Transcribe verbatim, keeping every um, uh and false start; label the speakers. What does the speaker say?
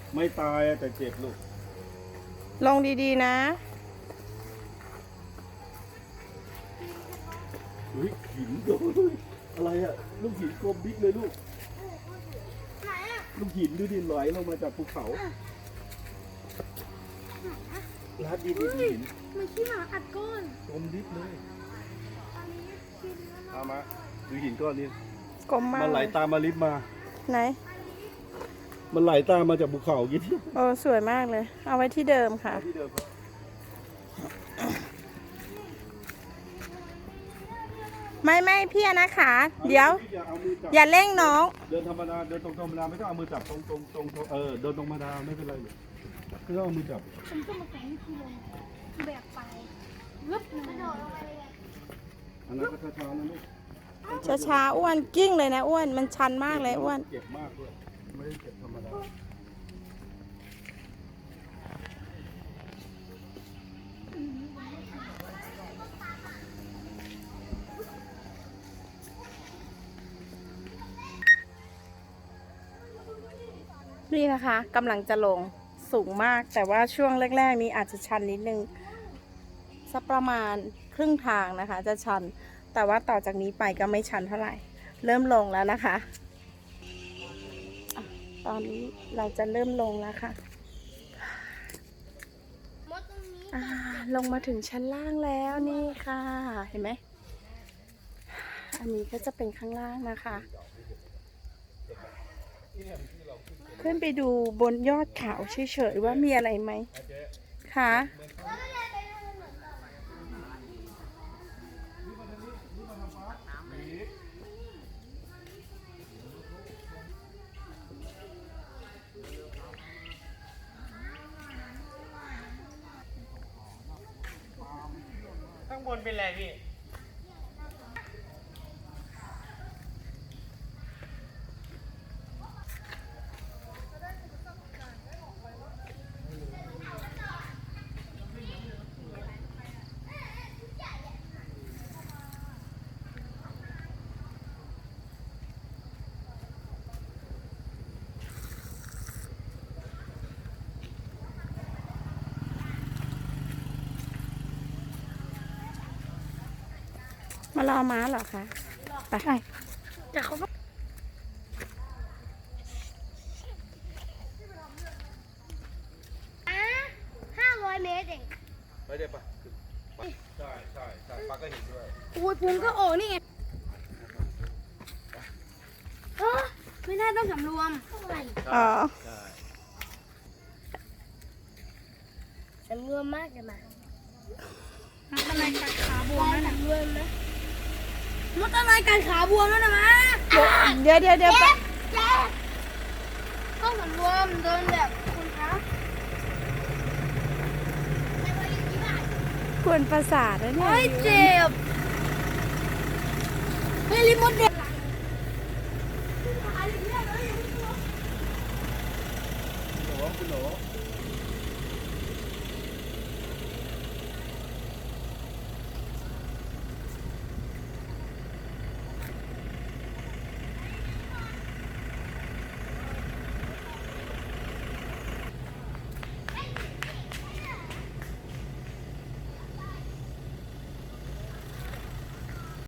Speaker 1: ไม่ตายแต่เจ็บลูก
Speaker 2: ลงดีๆนะ
Speaker 1: เฮ้ยหินโดนอะไรอะลูกหินกลมบิ๊กเลยลูกลูกหินดูดิไหลลงมาจากภูเขาลาดดินหิน
Speaker 3: มันขี้หมาอัดก้อน
Speaker 1: กลมบิ๊กเลยเอามาดูหินก้อนนี้
Speaker 2: กลมมาก
Speaker 1: มันไหลตามมาลิฟมา
Speaker 2: ไหน
Speaker 1: มันไหลตามมาจากภูเขายี่ที่
Speaker 2: โอ้สวยมากเลยเอาไว้ที่เดิมค่ะ
Speaker 1: ที่เดิม
Speaker 2: ไม่ไม่พี่นะคะเดี๋ยวอย่าเร่งน้อง
Speaker 1: เดินธรรมดาเดินตรงธรรมดาไม่ต้องเอามือจับตรงตรงตรงเออเดินตรงธรรมดาไม่เป็นไรเลยไม่ต้องเอามือจับ
Speaker 3: ผมก็มาแข่งที่ลงแบกไปลึบกระโดดลงไปเลย
Speaker 1: อันนั้นก็ช้าๆนะลูก
Speaker 2: ช้าๆอ้วนกิ้งเลยนะอ้วนมันชันมากเลยอ้วน
Speaker 1: เจ็บมากเลยไม่ได้เจ็บธรรมดา
Speaker 2: นี่นะคะกำลังจะลงสูงมากแต่ว่าช่วงแรกๆนี้อาจจะชันนิดนึงสักประมาณครึ่งทางนะคะจะชันแต่ว่าต่อจากนี้ไปก็ไม่ชันเท่าไหร่เริ่มลงแล้วนะคะตอนนี้เราจะเริ่มลงแล้วค่ะลงมาถึงชั้นล่างแล้วนี่ค่ะเห็นไหมอันนี้ก็จะเป็นข้างล่างนะคะขึ้นไปดูบนยอดเขาเฉยๆว่ามีอะไรไหมคะ
Speaker 4: ข้างบนเป็นอะไรพี่
Speaker 2: มารอม้าเหรอคะไป
Speaker 3: แต่เขาอ่ะห้าร้อยเมตรเอง
Speaker 1: ไปได้ปะใช่ใช่ใช่ปลาก็เห็นด้วย
Speaker 3: อุ้ยพุงก็โอ้นี่ไงเออไม่ได้ต้องสำรวม
Speaker 2: อ๋อ
Speaker 3: สำรวมมากเลยมาทำอะไรกัดขาบวมแล้วนะรวมนะมดอะไรกัดขาบวมแล้วนะมา
Speaker 2: เดี๋ยวเดี๋ยวเดี๋ยว
Speaker 3: เจ็บเจ็บต้องสำรวมเดินแบบคุณคะ
Speaker 2: ควรประสาทนะเนี่ย
Speaker 3: เจ็บเฮ้ยลิมดเด็ก
Speaker 1: คุณหนูคุณหนู